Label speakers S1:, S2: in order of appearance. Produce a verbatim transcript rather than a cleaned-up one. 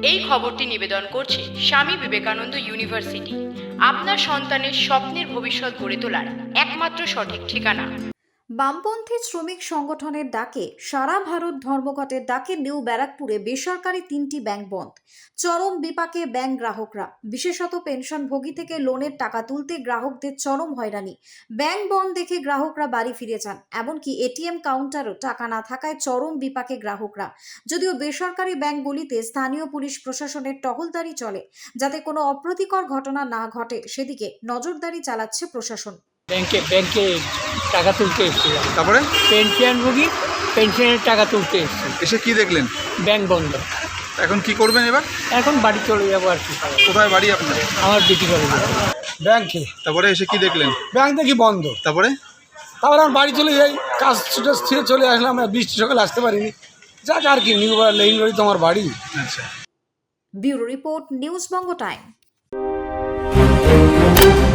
S1: এই খবরটি নিবেদন করছে স্বামী বিবেকানন্দ ইউনিভার্সিটি, আপনার সন্তানের স্বপ্নের ভবিষ্যৎ গড়ে তোলার একমাত্র সঠিক ঠিকানা।
S2: বামপন্থী শ্রমিক সংগঠনের ডাকে সারা ভারত ধর্মঘটের ডাকে নিউ ব্যারাকপুরে বেসরকারি তিনটি ব্যাংক বন্ধ। চরম বিপাকে ব্যাংক গ্রাহকরা, বিশেষত পেনশনভোগী থেকে লোনের টাকা তুলতে গ্রাহকদের চরম হয়রানি। ব্যাংক বন্ধ দেখে গ্রাহকরা বাড়ি ফিরে যান, এমনকি এটিএম কাউন্টারও টাকা না থাকায় চরম বিপাকে গ্রাহকরা। যদিও বেসরকারি ব্যাংকগুলিতে স্থানীয় পুলিশ প্রশাসনের টহলদারি চলে, যাতে কোনো অপ্রীতিকর ঘটনা না ঘটে সেদিকে নজরদারি চালাচ্ছে প্রশাসন।
S3: ব্যাংকে ব্যাংকে টাকা তুলতে এসেছিলাম,
S4: তারপরে
S3: পেনশনভোগী পেনশনের টাকা তুলতে এসেছি,
S4: এসে কি দেখলেন?
S3: ব্যাংক বন্ধ।
S4: এখন কি করবেন এবার?
S3: এখন বাড়ি চলে যাবো আর কি।
S4: কোথায় বাড়ি আপনার?
S3: আমার বিটি করে
S5: ব্যাংকে
S4: তারপরে এসে কি দেখলেন?
S5: ব্যাংক দেখি বন্ধ।
S4: তারপরে
S5: তারপরে আমি বাড়ি চলে যাই, কাজ ছুটে ছিঁড়ে চলে আসলাম। আমরা বৃষ্টি সকালে আসতে পারিনি, যাক আর কি, নিউ লেইন রোড তো আমার বাড়ি।
S4: আচ্ছা,
S2: bureau report, news Banga time.